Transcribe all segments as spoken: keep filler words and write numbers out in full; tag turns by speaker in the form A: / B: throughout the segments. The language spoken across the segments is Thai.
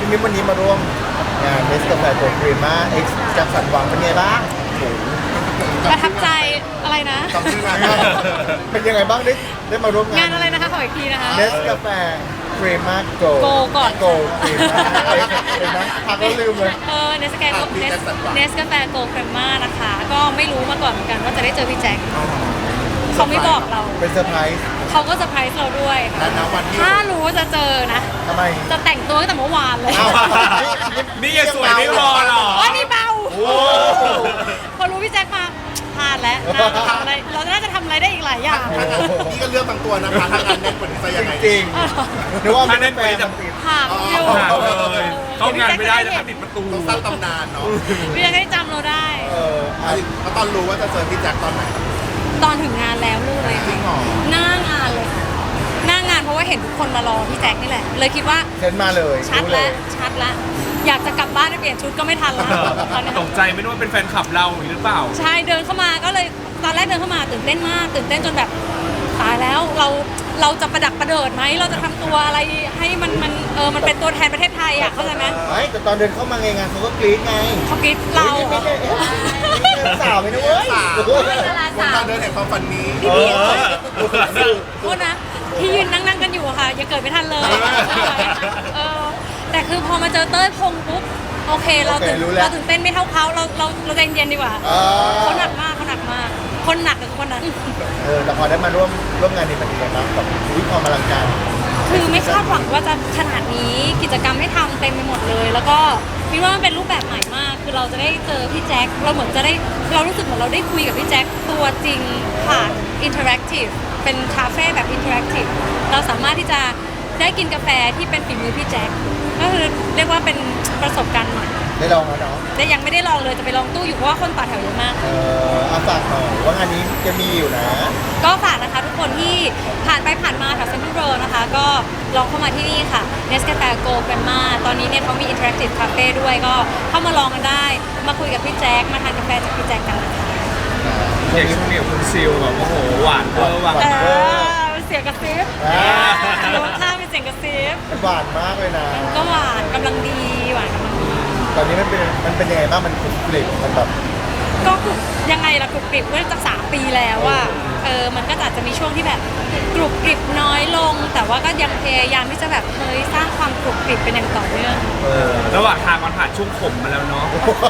A: มิ้นวันนี้มาร่วมงานเนสกาแฟโกลด์ครีมมาเอ็กซ์จากสันหวังเป็นไงบ้าง
B: ประทับใจอะไรนะ
A: จำชื่องานได้เป็นยังไงบ้างได้ได้มาร่วมงาน
B: งานอะไรนะคะขออีกทีนะคะ
A: เนสกาแฟครีมมาโกล
B: โกก่อน
A: โกลครีมมาเห็นไหมพักแล้วลืมเลย
B: เออเนสกาแฟเนสเนสกาแฟโกลด์เครมม่านะคะ ก็ไม่รู้มาก่อนเหมือนกันว่าจะได้เจอพี่แจ็คเขาไม่บอกเรา
A: เป็นเซอร์ไพรส์
B: เขาก็เซอร์ไพรส์เราด้วยค่ะ
C: และณวันที่
B: ถ้ารู้ว่าจะเจอนะ
A: ทำไม
B: จะแต่งตัวตั้งแต่เมื่อวานเลย
A: เอ้า
D: นี่ยังสวยไม่พอหรอ
B: โอ้ยนี่เบา
A: โอ้
B: พอรู้พี่แจ็คมาพลาดแล้วน่าจะทำอะไรเราน่าจะทำอะไรได้อีกหลายอย่าง
C: ถ้างั้นนี่ก็เลือกบางตัวนะคะถ้างั้นแน่นกว่านี้จะยังไง
A: จริงๆนึกว่า
D: ถ้า
A: ไม่
D: แน่
A: ได้
D: น
A: แฟ
D: กว่านี้
A: น
D: จะ
A: ติด
B: ห่างอยู่
D: หาเลยเข้างานไม่ได้นะคะติดประตู
C: ต้องสร้างตำนานเนาะ
B: พี่แจ็คให้จำเราได้
A: เอออ่ะ
C: แล้วตอนรู้ว่าจะเจอพี่แจ็คตอนไหน
B: ตอนถึงงานแล้วเลย
C: จริงเหรอ
B: หน้างานเลยค่ะหน้างานเพราะว่าเห็นทุกคนมารอพี่แจ็คนี่แหละ เลยคิดว่า
A: เซ็นมาเลย
B: ชัด
A: รู้เล
B: แล้ว
A: ย
B: ชัดแล้วอยากจะกลับบ้านไปเปลี่ยนชุดก็ไม่ทันแล้วตอนนี้
D: ตกใจไม่รู้ว่าเป็นแฟนคลับเราหรือเปล่า
B: ใช่เดินเข้ามาก็เลยตอนแรกเดินเข้ามาตื่นเต้นมาก ตื่นเต้นจนแบบตายแล้วเราเราจะประดักประเดิดไหมเราจะทำตัวอะไรให้มันมันเออมันเป็นตัวแทนประเทศไทยอ่ะเข้าใจไหม
A: ไม่แต่ตอนเดินเข้ามาไงงานเขาก็กรี๊ดไง
B: เขาคิดเรา
A: ฮ้ยไม่ใช่เอ๊ะนี่เป็นสาวไหมนะเว้ย
C: สาว
A: โอ้โห
C: วงการเดินแห่งความฝันนี้
A: เออ
B: โทษนะที่ยืนนั่งนั่งๆกันอยู่อะค่ะยังเกิดไม่ทันเลยเออแต่คือพอมาเจอเต้ยพงปุ๊บโอเคเราตื่น
A: โอเครู้แล้ว
B: เราตื่นเต้นไม่เท่าเขาเราเราเราใจเย็นดีกว่า
A: อ่า
B: เขาหนักมากเขาหนักมาก คนหนักกับคนนั้น
A: เออแต่พอได้มาร่วมร่วมงานนี้เป็นยังไงบ้างกับวิความอลังการ
B: คือไม่คาดหวังว่าจะขนาดนี้กิจกรรมให้ทำเต็มไปหมดเลย แล้วก็คิดว่ามันเป็นรูปแบบใหม่มาก คือเราจะได้เจอพี่แจ็คเราเหมือนจะได้เรารู้สึกเหมือนเราได้คุยกับพี่แจ็คตัวจริงผ่านอินเทอร์แอคทีฟเป็นคาเฟ่แบบอินเทอร์แอคทีฟเราสามารถที่จะได้กินกาแฟที่เป็นฝีมือพี่แจ็คก็คือเรียกว่าเป็นประสบการณ์ใหม่
A: ได้ลองแล้วเนาะ
B: แต่ยังไม่ได้ลองเลยจะไปลองตู้อยู่เพราะว่าคนต่อแถวเยอะมาก
A: เอออาฝากหน่อยว่างานนี้จะมีอยู่นะ
B: ก็ฝากนะคะทุกคนที่ผ่านไปผ่านมาแถวเซ็นทรัลเวิลด์นะคะ ก็ลองเข้ามาที่นี่ค่ะ Nescafe Go Grandma ตอนนี้เนี่ยเขามี Interactive Cafe ด้วยก็เข้ามาลองกันได้ มาคุยกับพี่แจ็คมาทานกาแฟจากพี่แจ็คกันนะคะ
D: อย่างช่วงนี้คุณซิลแบบโอ้โหหวานเวอร์หวาน
B: เอ
D: เวอร์
B: อเสียงกระซิบ
A: อ่า
B: รสชาติเป็นเสียงกระซิบ
A: มันหวานมากเลยนะ
B: มันก็หวานกำลังดีหวานกำลังดี
A: ตอนนี้มันเป็นมันเป็นยังไงบ้างมันกรุบกริบมันแบบ
B: ก็กรุบยังไงล่ะกรุบกริบเมื่อจากสามปีแล้วอะเออมันก็อาจจะมีช่วงที่แบบกรุบกริบน้อยลง แต่ว่าก็ยังพยายามที่จะแบบเฮ้ยสร้างความกรุบกริบเป็นอย่างต่อเนื่อง
A: เออ
D: ระหว่างทางมันผ่านช่วงขมมาแล้วเนาะ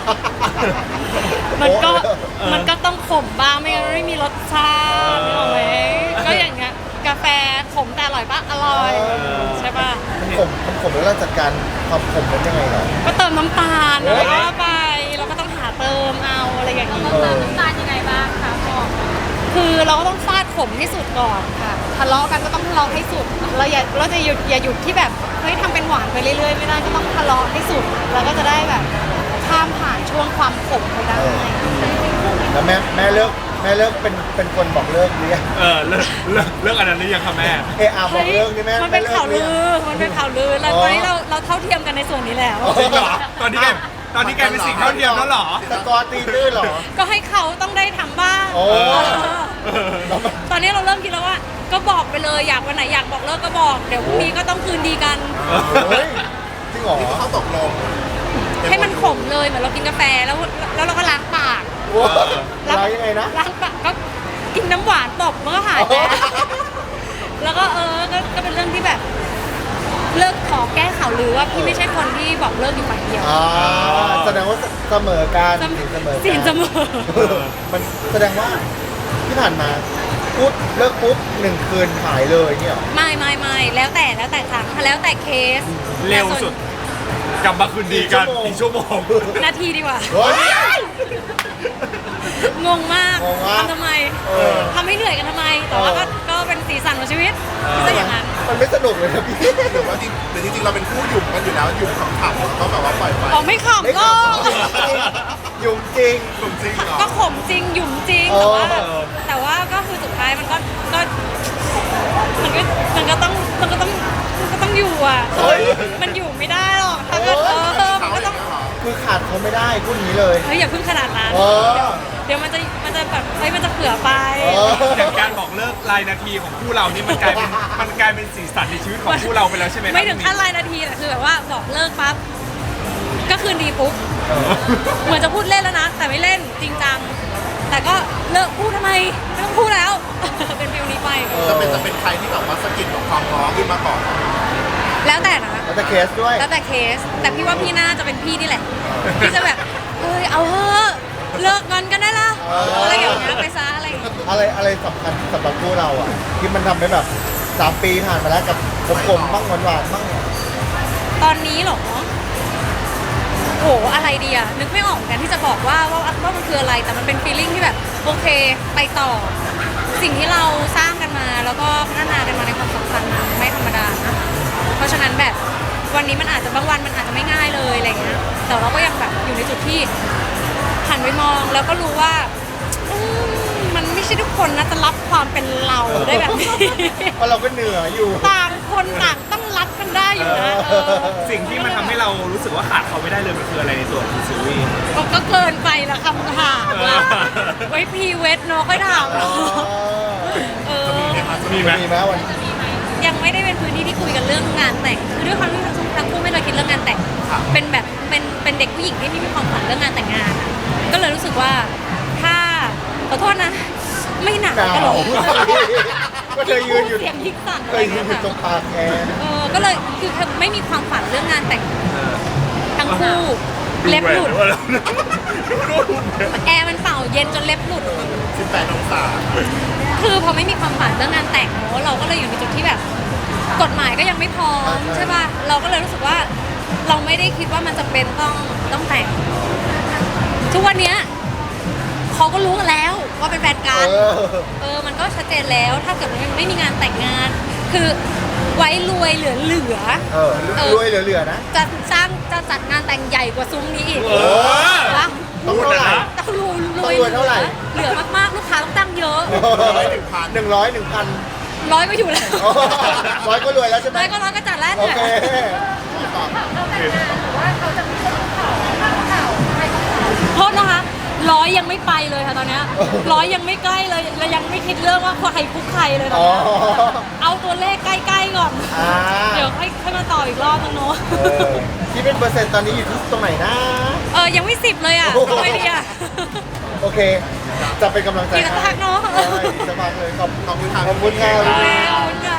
B: มันก็
D: เออ
B: มันก็ต้องขมบ้างไม่งั้นไม่มีรสชาตินึกออกไหมก็อย่างเงี้ยกาแฟขมแต่อร่อยปะอร่อยใช่ปะ
A: มันขมมันขมแล้วเราจัดการความขมนั้นยังไงเหรอ
B: ก็เติมน้ำตาล
A: เอ
B: อะไร
A: อ
B: ก็ไปเราก็ต้องหาเติมเอาอะไรอย่างนี้
A: เออ
B: น้ำตาลยังไงบ้างคะพ่อคือเราก็ต้องฟาดขมให้สุดก่อนค่ะทะเลาะกันก็ต้องทะเลาะให้สุดเราอย่าเราจะหยุดอย่าหยุดที่แบบเฮ้ยทำเป็นหวานไปเรื่อยๆไม่ได้ก็ต้องทะเลาะให้สุดเราก็จะได้แบบข้ามผ่านช่วงความขมไปได้
A: แล้วแม่แม่เลิกแม่เลิกเป็นเป็นคนบอกเลิกหรือยัง
D: เออเลิกเลิกเลิกอันนั้นหรือยังคะแม่
A: เออาบอกเลิกนี่แม่
B: มันเป็น
A: แลิก
B: ข่าว
A: หรื
B: ลื
A: ยัง
B: อ มันเป็นข่าวลือ แล้ว
A: อ๋อ
B: ตอนนี้เราเราเท่าเทียมกันในส่วนนี้แล้ว
D: จริงเหรอ ตอนนี้แกตอนนี้แกเป็นสิ่งเท่าเทียมแล้วเหรอ
A: สกอร์ตีตื้นเหรอ
B: ก็ให้เขาต้องได้ทำบ้าง
A: โอ้
B: เออตอนนี้เราเริ่มคิดแล้วว่า ก็บอกไปเลยอยากวันไหนอยากบอกเลิกก็บอก เดี๋ยวพรุ่งนี้ก็ต้องคืนดีกัน
A: เฮ้ยจริงเหรอ
C: นี่ก็เขาตกลง
B: ให้มันขมเลยเหมือนเรากินกาแฟแล้วแล้วเราก็ล้างปาก
A: โอ้ร้ายยังไงนะ
B: ล้างปากก็กินน้ำหวานตบมันก็หายไปแล้วก็เออก็ก็เป็นเรื่องที่แบบ เลิกขอแก้ข่าวลือว่าพี่ไม่ใช่คนที่บอกเลิกอยู่ฝ่ายเดียว
A: อ่าแสดงว่าเสมอการสินเสมอ
B: สินเสมอ
A: เออมันแสดงว่าที่ผ่านมาปุ๊บเลิกปุ๊บหนึ่งคืนหายเลยเนี่ยเหรอ
B: ไม่ไม่ไม่แล้วแต่แล้วแต่ครั้งแล้วแต่เคส
D: เร็วสุด กลับมาคืนดีกันอีกชั่วโมง
B: นาทีดีกว่า
A: เฮ้ย
B: งงมาก
A: งงมาก
B: ทำทำไม
A: เออ
B: ทำให้เหนื่อยกันทำไม แต่ว่าก็ก็เป็นสีสันของชีวิตก็จะอย่างนั้น
A: มันไม่สนุกเลยนะพี่
C: หรือว่าจริงหรือจริงๆเราเป็นคู่หยุ่มกันอยู่แล้วหยุ่มขำๆแล้วก็แบบว่าปล่อยไป
B: อ๋อไม่ข
A: ไม่
B: ำก็
A: ขำยุ่งจริง
C: หยุ่มจริงเหรอ
B: ก็ขมจริงหยุ่มจริง
A: เอ
B: แต่
A: อ
B: ว่าแต่ว่าก็คือสุดท้ายมันก็ก็มันก็มันก็ต้องมันก็ต้องมันก็ต้องอยู่อ่ะ
A: เฮ้ย
B: มันอยู่ไม่ได้หรอกถ้าเกิดเออมันก็ต้อง
A: คือขาดเขาไม่ได้พูดอย่างนี้เลย
B: เฮ้ยอย่าเพิ่งขนาดนั้น
A: เออ
B: เดี๋ยวมันจะมันจะแบบเฮ้ยมันจะเผื่อไป
A: เออ
D: อย่างการบอกเลิกรายนาทีของคู่เรานี่มันกลายเป็นมันกลายเป็นสีสันในชีวิตของคู่เราไปแล้วใช่ไหมครับ
B: ไม่ถึงขั้นรายนาทีแต่คือแบบว่าบอกเลิกปั๊บก็คืนดีปุ๊บเหมือนจะพูดเล่นแล้วนะ แต่ไม่เล่นจริงจังแต่ก็เลิกพูดทำไมไม่ต้องพูดแล้ว เป็นฟิลนี้ไป
C: จะเป็นจะเป็นใครที่แบบว่าสะกิดของความร้อนขึ้นมาก่อน
B: แล้วแต่นะ
A: แล้วแต่เคสด้วย
B: แล้วแต่เคส แต่พี่ว่าพี่น่าจะเป็นพี่นี่แหละพี่จะแบบเฮ้ยเอาเถอะเลิกงอนกันได้ละ
A: เอออ
B: อะไรอย่างเงี้ยไปซะอะไรอย่างเงี้ย
A: อะไรอะไรสำคัญสำหรับคู่เราอ่ะ ที่มันทำให้แบบสามปีผ่านมาแล้วกับกลมๆบ้างหวานๆบ้าง
B: ตอนนี้เหรอโหอะไรดีอะนึกไม่ออกเหมือนกันที่จะบอกว่าว่าว่ามันคืออะไรแต่มันเป็นฟีลลิ่งที่แบบโอเคไปต่อ สิ่งที่เราสร้างกันมาแล้วก็พัฒนากันมาในความสัมพันธ์มันไม่ธรรมดานะเพราะฉะนั้นแบบวันนี้มันอาจจะบางวันมันอาจจะไม่ง่ายเลยอะไรเงี้ยแต่เราก็ยังแบบอยู่ในจุดที่หันไปมองแล้วก็รู้ว่าอืมมันไม่ใช่ทุกคนนะจะรับความเป็นเราได้แบบนี้
A: เพราะเราก็เหนื่อยอยู่
B: ต่างคนต่างต้องรักกันได้อยู่นะเออ
D: สิ่งที่มันทำให้เรารู้สึกว่าขาดเขาไม่ได้เลยมันคืออะไรในตัวของคุณซิวี่
B: ก็ก็เกินไปละคำถามว่าไว้พรีเวทเนาะค่อยถามเนาะเออ
D: มีไหม
A: มีไหมวัน
B: ยังไม่ได้เป็นพื้นที่ที่คุยกันเรื่องงานแต่งคือด้วยความที่ทั้งทั้งคู่ไม่เคยคิดเรื่องงานแต่งเป็นแบบเป็นเป็นเด็กผู้หญิงที่ไม่มีความฝันเรื่องงานแต่งงานอะก็เลยรู้สึกว่าถ้าขอโทษนะ ไม่หนัก
A: หนาว
B: กันหรอก
A: ก็เธอยืนอยู่
B: เสียงยิกสั่น
A: เค
B: อะไร
A: ยยื
B: เงี้
A: น
B: ย
A: อยู่ตร
B: ค่ะ
A: งปากแอร์
B: เออก็เลยคือไม่มีความฝันเรื่องงานแต่งทั้งคู่เล็บหลุดแอร์มันเป่าเย็นจนเล็บหลุด
C: สิบแปดองศา
B: คือพอไม่มีความฝันเรื่องงานแต่งเนอะเราก็เลยอยู่ในจุดที่แบบ กฎหมายก็ยังไม่พร้อมใช่ป่ะเราก็เลยรู้สึกว่า เราไม่ได้คิดว่ามันจะเป็นต้องต้องแต่ง ทุกวันเนี้ยเขาก็รู้กันแล้วว่าเป็นแฟนกัน
A: เออ
B: เออมันก็ชัดเจนแล้วถ้าเกิดมันไม่มีงานแต่งงาน คือไว้รวยเหลือเหลือ
A: เออรวยเหลือๆนะ
B: จะสร้างจะจัดงานแต่งใหญ่กว่าซุ้มนี้อีก
D: เออ
B: วะ
A: ต้องเท่าไหร่
B: ต้องรวยร
A: ต้
B: ว
A: อย งรวยเท่าไหร่
B: เหลือมากๆลูกค้าต้องตั้งเยอะ
C: ร้อยหนึ่งพัน
A: หนึ่งร้อยหนึ่งพัน
B: ร้อยก็อยู่แล้ว
A: ร้อยก็รวยแล้วใช่ไหม
B: ร้อยก็ร้อยก็จัดแล้ว
A: โอ
B: เนี่ย
A: เค
B: โทษนะคะร้อยยังไม่ไปเลยค่ะตอนเนี้ยร้อยยังไม่ใกล้เลยและยังไม่คิดเรื่องว่าใครคุกใครเลยตอน
A: อ๋อ
B: เนี้ยเอาตัวเลขใกล้ๆก่อน
A: อ่า
B: เดี๋ยวค่อยค่อยมาต่ออีกรอบนึงเนาะ
A: เออที่เป็นเปอร์เซ็นต์ตอนนี้อยู่ที่ตรงไหนนะ
B: เออยังไม่สิบเลยอ่ะ
A: โอ้โห
B: ทำไมดีอ่ะ
A: โอเค จะเป็นกำลังใจ
B: อีกสักพักเนอะ
A: ใช่อีกสักพักเลยขอบ
C: ขอบคุณครับ
A: ขอบคุณครับ
B: ขอบคุณค่ะ